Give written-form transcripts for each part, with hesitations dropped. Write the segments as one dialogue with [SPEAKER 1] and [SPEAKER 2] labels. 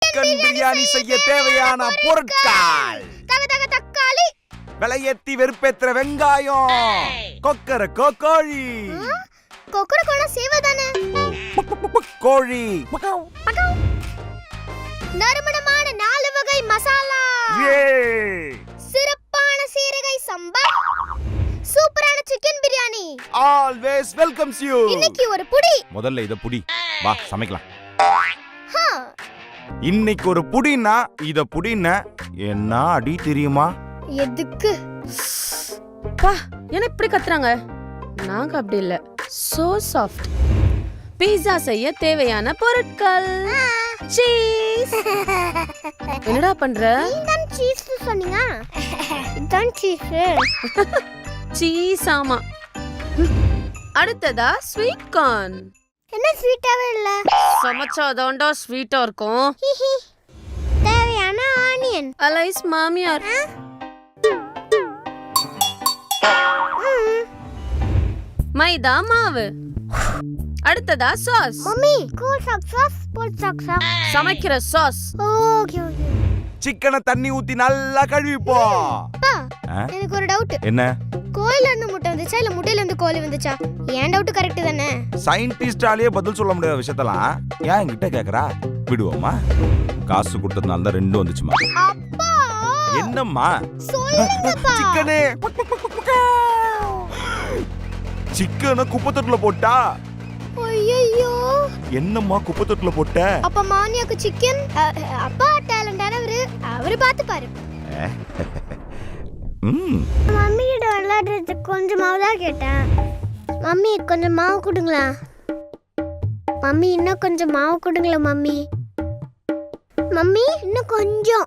[SPEAKER 1] Chicken biryani செய்ய தேவையான பொருட்கள்:
[SPEAKER 2] தக்காளி,
[SPEAKER 1] விலையேத்தி வெறுப்பேத்துற வெங்காயம், கொக்கரக்கோ கோழி,
[SPEAKER 2] கொக்கரக்கோனா சேவதானே,
[SPEAKER 1] கோழி,
[SPEAKER 2] நறுமணமான 4 வகை மசாலா, சிறப்பான சீரகை சம்பா, சூப்பரான chicken biryani.
[SPEAKER 1] Always welcomes you.
[SPEAKER 2] இன்னைக்கு ஒரு புடி.
[SPEAKER 1] முதல்ல இத புடி, வா சமைக்கலாம். இன்னைக்கு ஒரு புடினா இத புடினா என்ன அடி தெரியுமா?
[SPEAKER 2] எதுக்கு?
[SPEAKER 3] பா, என்ன இப்படி கத்துறாங்க? நாங்க அப்படி இல்ல. So soft. பீட்சா செய்ய தேவையான பொருட்கள்: சீஸ். என்னடா பண்ற?
[SPEAKER 2] நீதான் சீஸ் சொன்னீங்க. இதான் சீஸ்.
[SPEAKER 3] சீஸ் ஆமா. அடுத்ததா ஸ்வீட் கார்ன்.
[SPEAKER 2] என்ன ஸ்வீட்டாவே இல்ல?
[SPEAKER 3] சமைச்சாதான்டா ஸ்வீட்டா இருக்கும்.
[SPEAKER 2] தேவையான ஆனியன்.
[SPEAKER 3] அலைஸ் மாமியார். மைதா மாவு. அடுத்ததா சாஸ்.
[SPEAKER 2] மம்மி, கூல் சாஸ், போல் சாஸ்.
[SPEAKER 3] சமைக்கிற சாஸ்.
[SPEAKER 2] Okay okay.
[SPEAKER 1] சிக்கனை தண்ணி ஊத்தி நல்லா கழுவிப்போ.
[SPEAKER 2] அப்பா, எனக்கு ஒரு டவுட்.
[SPEAKER 1] என்ன?
[SPEAKER 2] கோழில இருந்து முட்டை வந்துச்சா இல்ல முட்டையில இருந்து கோழி வந்துச்சா? ஏன் டவுட் கரெக்ட் தானே?
[SPEAKER 1] சயின்டிஸ்டாலேயே பதில் சொல்ல முடியாத விஷயத்தெல்லாம் ஏன் என்கிட்ட கேக்குறா? விடுவோமா? காசு கொடுத்ததுனால தான் ரெண்டும் வந்துச்சுமா.
[SPEAKER 2] அப்பா,
[SPEAKER 1] என்னம்மா?
[SPEAKER 2] சொல்லுங்கப்பா.
[SPEAKER 1] சிக்கனே சிக்கனை குப்பத்தொட்டில போட்டா.
[SPEAKER 2] ஐயோ,
[SPEAKER 1] என்னம்மா குப்பத்தொட்டில போட்ட?
[SPEAKER 2] அப்ப மானியாக்கு சிக்கன். அப்பா டேலண்டானவரு, அவரு பாத்து பாரு. மம்மி கிட்ட விளையாடுறதுக்கு கொஞ்சம் மாவு தான் கேட்டேன். மம்மி கொஞ்சம் மாவு கொடுங்களா? மம்மி இன்னும் கொஞ்சம் மாவு கொடுங்களா? மம்மி மம்மி இன்னும் கொஞ்சம்.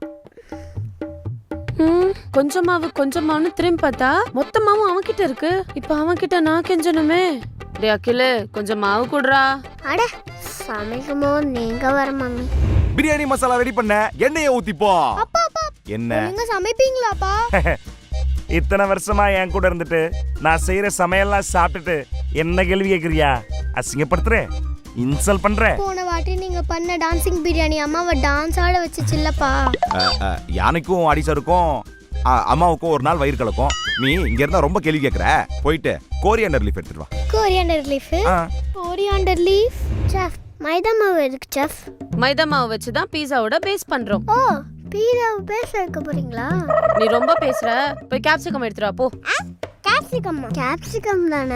[SPEAKER 3] கொஞ்சமாவும் திரும்பி பார்த்தா மொத்தமாவும் அவன்கிட்ட இருக்கு. இப்ப அவன்கிட்ட நான் கெஞ்சணுமே. டே அகில, கொஞ்சம் மாவு குடுறா.
[SPEAKER 2] அட, சமைக்குமோ நீங்க வர மம்மி.
[SPEAKER 1] பிரியாணி மசாலா ரெடி பண்ண எண்ணெயை ஊத்திப்போ.
[SPEAKER 2] அப்பா அப்பா,
[SPEAKER 1] என்ன
[SPEAKER 2] நீங்க சமைப்பீங்களாப்பா?
[SPEAKER 1] இத்தனை வருஷமா என் கூட இருந்துட்டு நான் செய்யற சமையல்லாம் சாப்பிட்டுட்டு என்ன கேள்வி கேக்குறியா? அசிங்கப்படுத்துற, இன்சல்ட் பண்ற.
[SPEAKER 2] போன வாட்டி நீங்க பண்ண டான்சிங் பிரியாணி அம்மாவை டான்ஸ் ஆட வச்சுச்சுல்லப்பா.
[SPEAKER 1] யானைக்கும் அடிசருக்கும் அம்மாவுக்கும் ஒரு நாள் வயிறு கலக்கும். நீ இங்க இருந்தா ரொம்ப கேள்வி கேக்குற. போயிட்டு கோரியாண்டர் லீஃப் எடுத்துட்டு வா.
[SPEAKER 2] Coriander leaf? Coriander leaf chef. மைதா மாவு எதுக்கு செஃப்?
[SPEAKER 3] மைதா மாவு வச்சு தான் பீஸாவோட பேஸ் பண்றோம்.
[SPEAKER 2] ஓ, பீஸாவை பேச வைக்க போறீங்களா?
[SPEAKER 3] நீ ரொம்ப பேசுற. போய் கேப்சிகம் எடுத்துட்டு வா போ.
[SPEAKER 2] கேப்சிகம்? கேப்சிகம் தானே.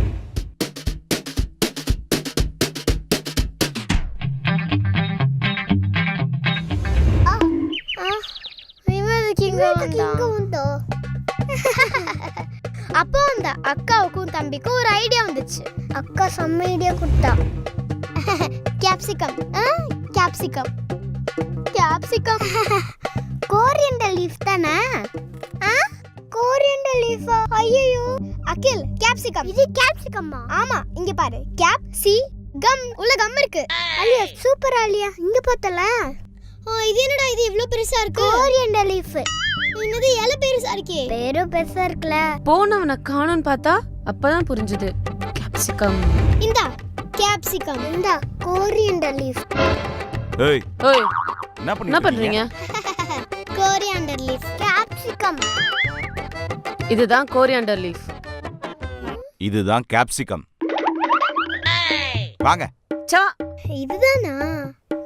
[SPEAKER 2] அப்போ அந்த அக்காவுக்கும் தம்பிக்கும் ஒரு ஐடியா வந்துச்சு. அக்கா செம்ம ஐடியா கொடுத்தா. Capsicum. Capsicum capsicum coriander leaf தானே? கோரியண்டர் லீஃபா? ஐயோ அகில், கேப்சிகம். இது கேப்சிகம்மா? ஆமா, இங்க பாரு. கேப் சி கம் உள்ள கம் இருக்கு. அலியா சூப்பர் அலியா. இங்க பார்த்தல. இது என்னடா இது இவ்ளோ பெருசா இருக்கு? Coriander leaf. என்னது இலை பெருசா இருக்கே? பேரு பெருசா இருக்குல.
[SPEAKER 3] போனவன காணோன்னு பார்த்தா அப்பதான் புரிஞ்சுது. கேப்சிகம்.
[SPEAKER 2] இந்தா கேப்சிகம். இந்தா கோரியண்டர் லீஃப்.
[SPEAKER 1] ஏய்
[SPEAKER 3] ஓய்,
[SPEAKER 1] என்ன
[SPEAKER 3] பண்றீங்க?
[SPEAKER 2] Coriander leaf, capsicum.
[SPEAKER 3] இதுதான் கோரியாண்டர் லீஃப்.
[SPEAKER 1] இதுதான் கேப்சிகம். வாங்க.
[SPEAKER 3] சா,
[SPEAKER 2] இதுதானா?